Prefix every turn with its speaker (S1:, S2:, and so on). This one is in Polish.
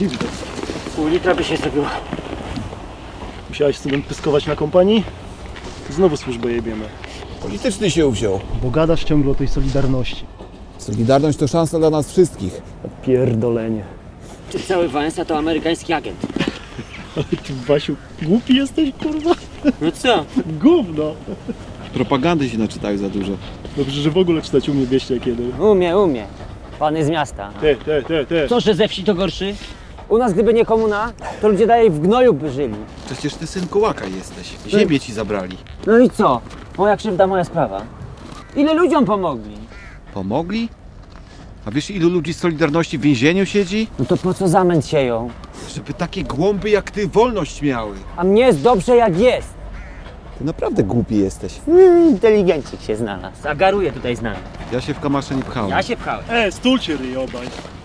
S1: Pół litra by się zrobiło.
S2: Musiałeś student pyskować na kompanii? Znowu służbę jebiemy.
S3: Polityczny się uwziął.
S2: Bo gadasz ciągle o tej solidarności.
S3: Solidarność to szansa dla nas wszystkich.
S2: Pierdolenie.
S1: Ty cały Wałęsa to amerykański agent.
S2: Ale ty, Wasiu, głupi jesteś, kurwa?
S1: No co?
S2: Gówno.
S4: Propagandy się naczytają za dużo.
S2: Dobrze, że w ogóle czytać umie wieście kiedy.
S1: Umie. Pan jest z miasta.
S2: Ty.
S1: Co, że ze wsi to gorszy? U nas gdyby nie komuna, to ludzie dalej w gnoju by żyli.
S4: Przecież ty syn kołaka jesteś. Ziemię ci zabrali.
S1: No i co? Moja krzywda, moja sprawa. Ile ludziom pomogli?
S4: Pomogli? A wiesz, ilu ludzi z Solidarności w więzieniu siedzi?
S1: No to po co zamęt sieją?
S4: Żeby takie głąby jak ty wolność miały.
S1: A mnie jest dobrze jak jest.
S3: Ty naprawdę głupi jesteś.
S1: Inteligencik się znalazł. A garuje tutaj z nami.
S4: Ja się w kamasze nie pchałem.
S1: Ja się pchałem.
S2: Stulcie ryj obaj.